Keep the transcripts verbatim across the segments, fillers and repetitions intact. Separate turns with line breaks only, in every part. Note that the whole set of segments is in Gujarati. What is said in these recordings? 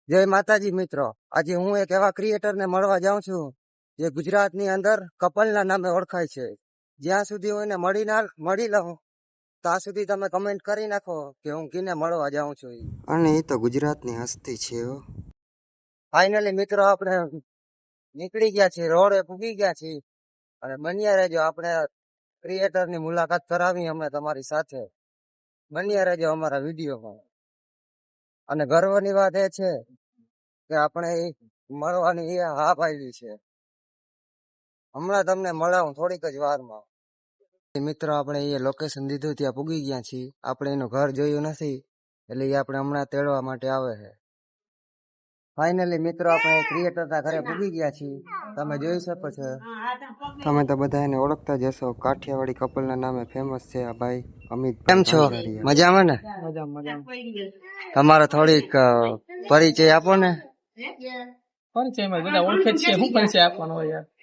જય માતાજી મિત્રો, આજે હું એક એવા ક્રિએટરને મળવા જાઉં છું જે ગુજરાતની અંદર કપલના નામે ઓળખાય છે. જ્યાં સુધી હું એને મળી ના મળી લઉં ત્યાં સુધી તમે કમેન્ટ કરી નાખો કે હું કીને મળવા જાઉં છું. અને એ તો ગુજરાતની હસ્તી છે. ફાઇનલી મિત્રો આપણે નીકળી ગયા છીએ, રોડે પૂગી ગયા છીએ અને બન્યા રહેજો. આપણે ક્રિએટરની મુલાકાત કરાવી અમે તમારી સાથે. બન્યા રહેજો અમારા વિડીયોમાં. અને ગર્વની વાત એ છે કે આપણે મળવાની એ હા પાડી છે. હમણાં તમને મળાવું થોડીક જ વારમાં. મિત્રો આપણે એ લોકેશન દીધું ત્યાં પૂગી ગયા છીએ. આપણે એનું ઘર જોયું નથી એટલે એ આપણે હમણાં તેડવા માટે આવે છે. ફાઇનલી મિત્રો આપણે ક્રિએટરના ઘરે પૂગી ગયા છીએ. તમે જોઈ શકો છો. તમે તો બધા એને ઓળખતા જ હશો. કાઠિયાવાડી કપલના નામે ફેમસ છે આ ભાઈ અમિત. કેમ છો? મજામાં ને? તમારો થોડીક પરિચય આપો ને.
પરિચયમાં બધા ઓળખે છે, શું પરિચય આપવાનો હોય યાર.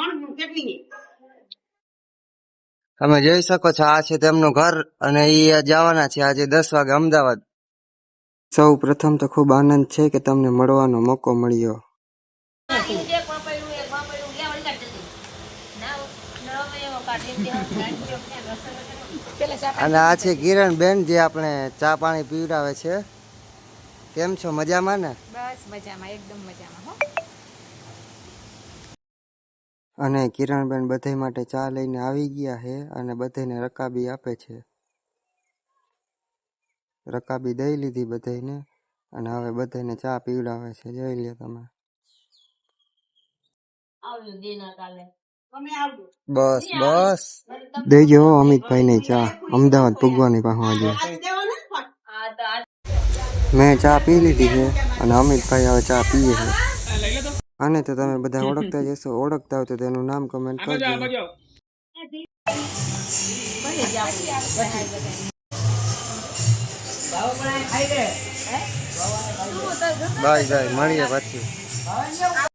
તમે જોઈ શકો છો આ છે તેમનું ઘર અને એ જવાના છે આજે દસ વાગે અમદાવાદ. સૌ પ્રથમ તો ખૂબ આનંદ છે કે તમને મળવાનો મોકો મળ્યો. અને આ છે કિરણ બેન જે આપણે ચા પાણી પીવડાવે છે. કેમ છો? મજામાં ને?
બસ મજામાં, એકદમ મજામાં હો.
અને કિરણબેન બધા માટે ચા લઈને આવી ગયા છે અને બધાને રકાબી આપે છે. રકાબી દઈ લીધી બધાને અને હવે બધાને ચા પીવડાવે છે. જોઈ લે તમે. બસ બસ દેજો અમિતભાઈ ને ચા. અમદાવાદ પૂગવાની પાછું મેં ચા પી લીધી છે અને અમિતભાઈ હવે ચા પીએ છે. આને તો તમે બધા ઓળખતા જ હશો. ઓળખતા હોય તો તેનું નામ કમેન્ટ કરજો. બાય બાય, મળીએ પછી.